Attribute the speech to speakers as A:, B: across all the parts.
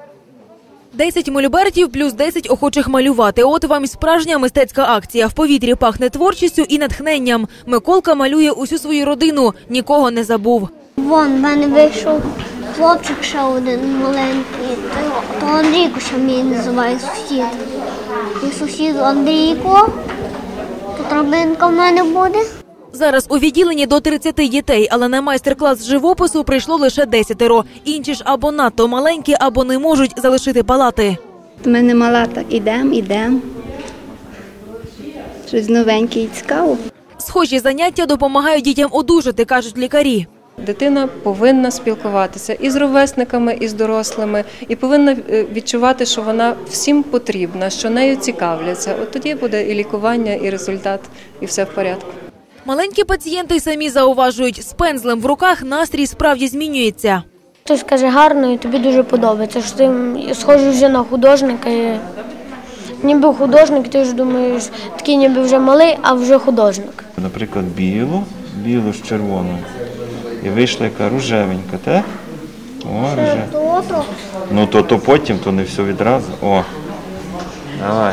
A: 10 мольбертів плюс 10 охочих малювати. От вам і справжня мистецька акція. В повітрі пахне творчістю і натхненням. Миколка малює усю свою родину, нікого не забув.
B: Вон, в мене вийшов хлопчик ще один маленький, то Андрійко ще мені називає сусід. І сусід Андрійко, тут робинка в мене буде.
A: Зараз у відділенні до 30 дітей, але на майстер-клас з живопису прийшло лише 10. Інші ж або надто маленькі, або не можуть залишити палати.
C: Ми не мала, так ідемо. Щось новеньке і цікаво.
A: Схожі заняття допомагають дітям одужати, кажуть лікарі.
D: Дитина повинна спілкуватися і з ровесниками, і з дорослими, і повинна відчувати, що вона всім потрібна, що нею цікавляться. От тоді буде і лікування, і результат, і все в порядку.
A: Маленькі пацієнти самі зауважують, з пензлем в руках настрій справді змінюється.
B: Хтось каже гарно і тобі дуже подобається, що ти схожий вже на художника. Ніби художник, ти ж думаєш, такий ніби вже малий, а вже художник.
E: Наприклад, білу з червоною. І вийшла яка рожевенька, так? О, рожевенька. Ну, то потім, то не все відразу. О, давай.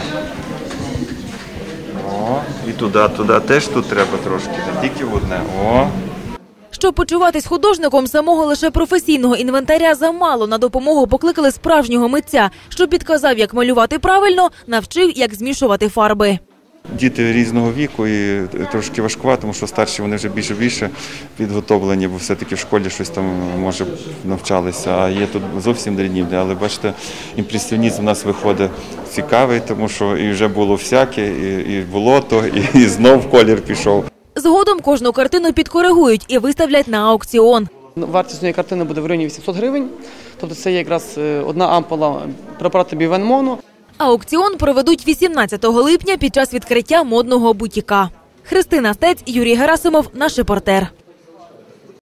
E: О, і туди теж тут треба трошки, не тільки в одне. О.
A: Щоб почуватись художником, самого лише професійного інвентаря замало. На допомогу покликали справжнього митця, що підказав, як малювати правильно, навчив, як змішувати фарби.
E: Діти різного віку і трошки важкувато, тому що старші вони вже більше підготовлені, бо все-таки в школі щось там, може, навчалися, а є тут зовсім дрібні. Але бачите, імпресіонізм у нас виходить цікавий, тому що і вже було всяке, і болото, і знов колір пішов.
A: Згодом кожну картину підкоригують і виставлять на аукціон.
F: Вартість цієї картини буде в районі 800 гривень, тобто це є якраз одна ампула препарату Бівенмону.
A: Аукціон проведуть 18 липня під час відкриття модного бутіка. Христина Стець, Юрій Герасимов, наш репортер.